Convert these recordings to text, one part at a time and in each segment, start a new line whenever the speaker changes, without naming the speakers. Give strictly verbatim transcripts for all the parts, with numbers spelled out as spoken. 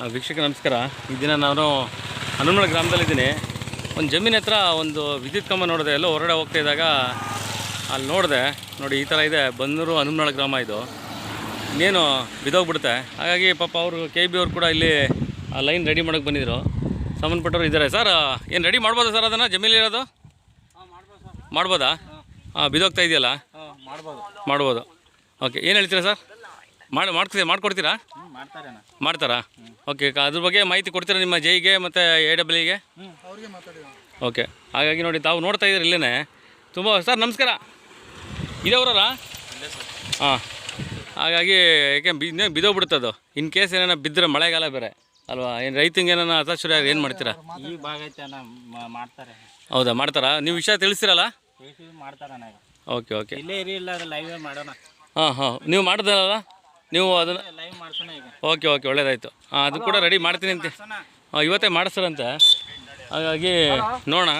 ಆ, ವೀಕ್ಷಕ ನಮಸ್ಕಾರ. ಈ ದಿನ ನಾನು ಹನುಮಳ ಗ್ರಾಮದಲ್ಲಿದ್ದೀನಿ. ಒಂದು ಜಮೀನು ಹತ್ರ ಒಂದು ವಿದ್ಯುತ್ ಕಂಬ ನೋಡಿದೆ. ಎಲ್ಲೋ ಹೊರಗಡೆ ಹೋಗ್ತಾ ಇದ್ದಾಗ ಅಲ್ಲಿ ನೋಡಿದೆ. ನೋಡಿ, ಈ ಥರ ಇದೆ. ಬನ್ನೂರು ಹನುಮಳ ಗ್ರಾಮ ಇದು. ಇನ್ನೇನು ಬಿದ್ದೋಗ್ಬಿಡುತ್ತೆ. ಹಾಗಾಗಿ ಪಾಪ ಅವರು ಕೆ ಬಿ ಅವ್ರು ಕೂಡ ಇಲ್ಲಿ ಆ ಲೈನ್ ರೆಡಿ ಮಾಡೋಕ್ಕೆ ಬಂದಿದ್ದರು. ಸಂಬಂಧಪಟ್ಟವ್ರು ಇದ್ದಾರೆ. ಸರ್, ಏನು ರೆಡಿ ಮಾಡ್ಬೋದಾ ಸರ್? ಅದನ್ನು ಜಮೀನಿರೋದು ಮಾಡ್ಬೋದಾ? ಹಾಂ, ಬಿದ್ದೋಗ್ತಾ ಇದೆಯಲ್ಲ, ಮಾಡ್ಬೋದು. ಓಕೆ, ಏನು ಹೇಳ್ತೀರಾ ಸರ್? ಮಾಡಿ ಮಾಡ್ತೀವಿ ಮಾಡ್ಕೊಡ್ತೀರಾ? ಮಾಡ್ತಾರಾ? ಓಕೆ, ಅದ್ರ ಬಗ್ಗೆ ಮಾಹಿತಿ ಕೊಡ್ತೀರಾ ನಿಮ್ಮ ಜೈಗೆ ಮತ್ತು ಎ ಡಬ್ಲ್ಯೂಗೆ? ಓಕೆ, ಹಾಗಾಗಿ ನೋಡಿ, ತಾವು ನೋಡ್ತಾ ಇದ್ದೀರಿ ಇಲ್ಲೇ ತುಂಬ. ಸರ್ ನಮಸ್ಕಾರ, ಇದೇವ್ರಲ್ಲ? ಹಾಂ, ಹಾಗಾಗಿ ಯಾಕೆ ಬಿ ಬಿದ್ದೋಗ್ಬಿಡುತ್ತದು. ಇನ್ ಕೇಸ್ ಏನಾರ ಬಿದ್ದರೆ ಮಳೆಗಾಲ ಬೇರೆ ಅಲ್ವಾ? ಏನು ರೈತಂಗೆ ಏನಾರ ಹತಾಶುರ ಏನು ಮಾಡ್ತೀರಾ?
ಈ ಭಾಗ ಮಾಡ್ತಾರೆ.
ಹೌದಾ, ಮಾಡ್ತಾರಾ? ನೀವು ವಿಷಯ ತಿಳಿಸ್ತೀರಲ್ಲ?
ಮಾಡ್ತಾರ.
ಓಕೆ ಓಕೆ,
ಇಲ್ಲೇ ಇರಿ, ಇಲ್ಲ ಲೈವ್ ಮಾಡೋಣ.
ಹಾಂ ಹಾಂ, ನೀವು ಮಾಡಿದ್ರಲ್ಲ ನೀವು ಅದನ್ನು?
ಲೈವ್ ಮಾಡ್ಸೋಣ ಈಗ.
ಓಕೆ ಓಕೆ, ಒಳ್ಳೇದಾಯಿತು. ಹಾಂ, ಅದು ಕೂಡ ರೆಡಿ ಮಾಡ್ತೀನಿ ಅಂತ. ಹಾಂ, ಇವತ್ತೇ ಮಾಡಿಸ್ತಾರಂತೆ. ಹಾಗಾಗಿ ನೋಡೋಣ.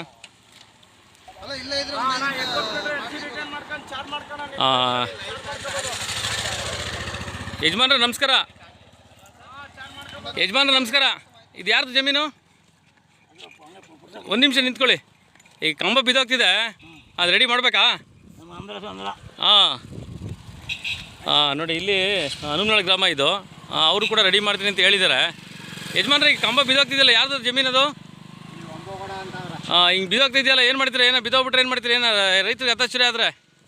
ಹಾಂ, ಯಜಮಾನ್ರ ನಮಸ್ಕಾರ. ಯಜಮಾನ್ರ ನಮಸ್ಕಾರ. ಇದು ಯಾರ್ದು ಜಮೀನು? ಒಂದು ನಿಮಿಷ ನಿಂತ್ಕೊಳ್ಳಿ. ಈ ಕಂಬ ಬಿದ್ದೋಗ್ತಿದೆ, ಅದು ರೆಡಿ ಮಾಡಬೇಕಾ? ಹಾಂ ಹಾಂ, ನೋಡಿ, ಇಲ್ಲಿ ಹನುಮಳ ಗ್ರಾಮ ಇದು. ಅವರು ಕೂಡ ರೆಡಿ ಮಾಡ್ತೀನಿ ಅಂತ ಹೇಳಿದ್ದಾರೆ. ಯಜಮಾನ್ರೆ, ಈ ಕಂಬ ಬಿದ್ದೋಗ್ತಿದೆಯಲ್ಲ, ಯಾರ್ದು ಜಮೀನದು? ಹಾಂ, ಹಿಂಗೆ ಬಿದ್ದೋಗ್ತಿದೆಯಲ್ಲ, ಏನು ಮಾಡ್ತೀರಾ? ಏನೋ ಬಿದ್ದೋಗ್ಬಿಟ್ರೆ ಏನು ಮಾಡ್ತೀರಿ? ಏನೋ ರೈತರಿಗೆ ಹತಾಶುರಿ ಆದರೆ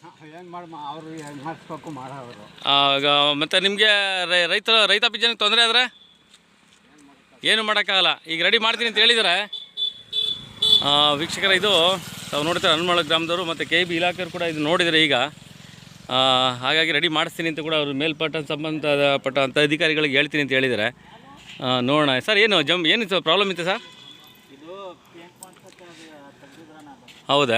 ಮತ್ತು ನಿಮಗೆ ರೈತರ ರೈತಾಪಿ ಜನಕ್ಕೆ ತೊಂದರೆ ಆದರೆ ಏನು ಮಾಡೋಕ್ಕಾಗಲ್ಲ. ಈಗ ರೆಡಿ ಮಾಡ್ತೀನಿ ಅಂತ ಹೇಳಿದ್ದಾರೆ. ವೀಕ್ಷಕರ, ಇದು ತಾವು ನೋಡ್ತಾರೆ ಹನುಮಳ ಗ್ರಾಮದವರು ಮತ್ತು ಕೆ ಬಿ ಇಲಾಖೆಯವರು ಕೂಡ ಇದು ನೋಡಿದರೆ ಈಗ. ಹಾಗಾಗಿ ರೆಡಿ ಮಾಡಿಸ್ತೀನಿ ಅಂತ ಕೂಡ ಅವರು ಮೇಲ್ಪಟ್ಟ ಸಂಬಂಧಪಟ್ಟಂಥ ಅಧಿಕಾರಿಗಳಿಗೆ ಹೇಳ್ತೀನಿ ಅಂತ ಹೇಳಿದ್ದಾರೆ. ನೋಡೋಣ. ಸರ್, ಏನು ಜಮ್ ಏನು ಪ್ರಾಬ್ಲಮ್ ಇತ್ತು ಸರ್? ಹೌದಾ?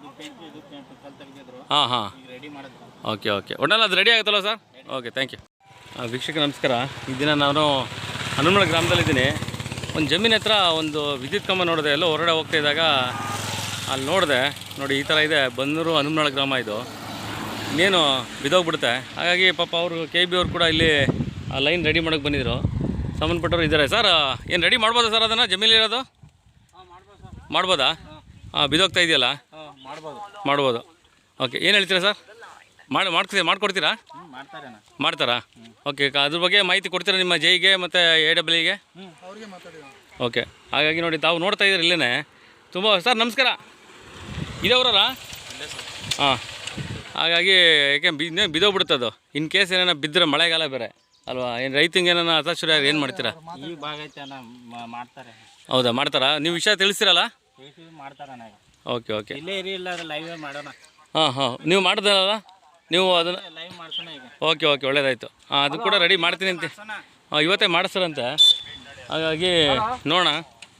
ಹಾಂ ಹಾಂ, ಓಕೆ ಓಕೆ, ಒಟ್ಟಲ್ಲಿ ಅದು ರೆಡಿ ಆಗುತ್ತಲ್ಲ ಸರ್? Okay, thank you. ವೀಕ್ಷಕ ನಮಸ್ಕಾರ. ಈ ದಿನ ನಾನು ಹನುಮಳ ಗ್ರಾಮದಲ್ಲಿದ್ದೀನಿ. ಒಂದು ಜಮೀನು ಹತ್ರ ಒಂದು ವಿದ್ಯುತ್ ಕಂಬ ನೋಡಿದೆ. ಎಲ್ಲೋ ಹೊರಗಡೆ ಹೋಗ್ತಾ ಇದ್ದಾಗ ಅಲ್ಲಿ ನೋಡಿದೆ. ನೋಡಿ, ಈ ಥರ ಇದೆ. ಬನ್ನೂರು ಹನುಮಳ ಗ್ರಾಮ ಇದು. ಇನ್ನೇನು ಬಿದ್ದೋಗ್ಬಿಡುತ್ತೆ. ಹಾಗಾಗಿ ಪಾಪ ಅವರು ಕೆ ಬಿ ಅವ್ರು ಕೂಡ ಇಲ್ಲಿ ಆ ಲೈನ್ ರೆಡಿ ಮಾಡೋಕ್ಕೆ ಬಂದಿದ್ದರು. ಸಂಬಂಧಪಟ್ಟವ್ರು ಇದ್ದಾರೆ. ಸರ್, ಏನು ರೆಡಿ ಮಾಡ್ಬೋದಾ ಸರ್? ಅದನ್ನು ಜಮೀನಿರೋದು ಮಾಡ್ಬೋದಾ? ಹಾಂ, ಬಿದ್ದೋಗ್ತಾ ಇದೆಯಲ್ಲ, ಮಾಡ್ಬೋದು. ಓಕೆ, ಏನು ಹೇಳ್ತೀರಾ ಸರ್? ಮಾಡಿ ಮಾಡ್ತೀವಿ ಮಾಡ್ಕೊಡ್ತೀರಾ? ಮಾಡ್ತಾರಾ? ಓಕೆ, ಅದ್ರ ಬಗ್ಗೆ ಮಾಹಿತಿ ಕೊಡ್ತೀರಾ ನಿಮ್ಮ ಜೈಗೆ ಮತ್ತು ಎ ಡಬ್ಲ್ಯೂಗೆ? ಓಕೆ, ಹಾಗಾಗಿ ನೋಡಿ, ತಾವು ನೋಡ್ತಾ ಇದ್ದೀರಿ ಇಲ್ಲೇ ತುಂಬ. ಸರ್ ನಮಸ್ಕಾರ, ಇದೇವ್ರಲ್ಲ? ಹಾಂ, ಹಾಗಾಗಿ ಯಾಕೆ ಬಿ ಬಿದ್ದೋಗ್ಬಿಡುತ್ತದು. ಇನ್ ಕೇಸ್ ಏನಾರ ಬಿದ್ದರೆ ಮಳೆಗಾಲ ಬೇರೆ ಅಲ್ವಾ? ಏನು ರೈತಂಗೆ ಏನಾರ ಹತಾಶುರ ಏನು ಮಾಡ್ತೀರಾ?
ಈ ಭಾಗ ಮಾಡ್ತಾರೆ.
ಹೌದಾ, ಮಾಡ್ತಾರಾ? ನೀವು ವಿಷಯ ತಿಳಿಸ್ತೀರಲ್ಲ?
ಮಾಡ್ತಾರ.
ಓಕೆ ಓಕೆ,
ಇಲ್ಲೇ ಇರಿ, ಇಲ್ಲ ಲೈವ್ ಮಾಡೋಣ.
ಹಾಂ ಹಾಂ, ನೀವು ಮಾಡಿದ್ರಲ್ಲ ನೀವು ಅದನ್ನು?
ಲೈವ್ ಮಾಡ್ಸೋಣ ಈಗ.
ಓಕೆ ಓಕೆ, ಒಳ್ಳೇದಾಯಿತು. ಹಾಂ, ಅದು ಕೂಡ ರೆಡಿ ಮಾಡ್ತೀನಿ ಅಂತ. ಹಾಂ, ಇವತ್ತೇ ಮಾಡಿಸ್ತಾರಂತೆ. ಹಾಗಾಗಿ ನೋಡೋಣ.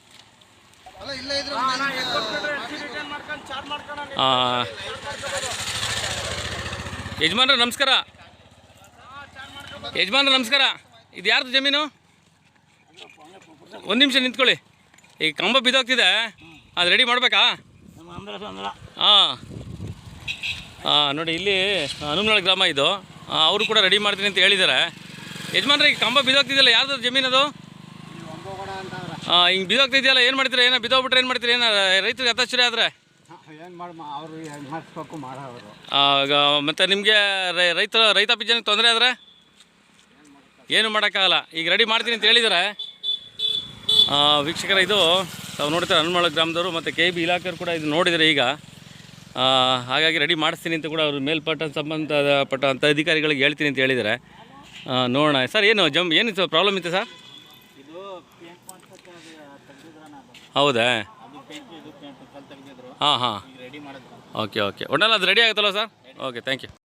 ಹಾಂ, ಯಜಮಾನ್ರ ನಮಸ್ಕಾರ. ಯಜಮಾನ್ರ ನಮಸ್ಕಾರ. ಇದು ಯಾರ್ದು ಜಮೀನು? ಒಂದು ನಿಮಿಷ ನಿಂತ್ಕೊಳ್ಳಿ. ಈ ಕಂಬ ಬಿದ್ದೋಗ್ತಿದೆ, ಅದು ರೆಡಿ ಮಾಡಬೇಕಾ? ಹಾಂ ಹಾಂ, ನೋಡಿ, ಇಲ್ಲಿ ಹನುಮಳ ಗ್ರಾಮ ಇದು. ಅವರು ಕೂಡ ರೆಡಿ ಮಾಡ್ತೀನಿ ಅಂತ ಹೇಳಿದ್ದಾರೆ. ಯಜಮಾನ್ರೆ, ಈ ಕಂಬ ಬಿದ್ದೋಗ್ತಿದೆಯಲ್ಲ, ಯಾರ್ದು ಜಮೀನದು? ಹಾಂ, ಹಿಂಗೆ ಬಿದ್ದೋಗ್ತಿದೆಯಲ್ಲ, ಏನು ಮಾಡ್ತೀರಾ? ಏನೋ ಬಿದ್ದೋಗ್ಬಿಟ್ರೆ ಏನು ಮಾಡ್ತೀರಿ? ಏನೋ ರೈತರಿಗೆ ಹತಾಶುರಿ ಆದರೆ ಮತ್ತು ನಿಮಗೆ ರೈತರ ರೈತಾಪಿ ಜನಕ್ಕೆ ತೊಂದರೆ ಆದರೆ ಏನು ಮಾಡೋಕ್ಕಾಗಲ್ಲ. ಈಗ ರೆಡಿ ಮಾಡ್ತೀನಿ ಅಂತ ಹೇಳಿದ್ದಾರೆ. ವೀಕ್ಷಕರ, ಇದು ತಾವು ನೋಡ್ತಾರೆ ಹನುಮಳ ಗ್ರಾಮದವರು ಮತ್ತು ಕೆ ಬಿ ಇಲಾಖೆಯವರು ಕೂಡ ಇದು ನೋಡಿದರೆ ಈಗ. ಹಾಗಾಗಿ ರೆಡಿ ಮಾಡಿಸ್ತೀನಿ ಅಂತ ಕೂಡ ಅವರು ಮೇಲ್ಪಟ್ಟ ಸಂಬಂಧಪಟ್ಟಂಥ ಅಧಿಕಾರಿಗಳಿಗೆ ಹೇಳ್ತೀನಿ ಅಂತ ಹೇಳಿದ್ದಾರೆ. ನೋಡೋಣ. ಸರ್, ಏನು ಜಮ್ ಏನು ಪ್ರಾಬ್ಲಮ್ ಇತ್ತು ಸರ್? ಹೌದಾ? ಹಾಂ ಹಾಂ, ಓಕೆ ಓಕೆ, ಒಟ್ಟಲ್ಲಿ ಅದು ರೆಡಿ ಆಗುತ್ತಲ್ಲ ಸರ್? Okay, thank you.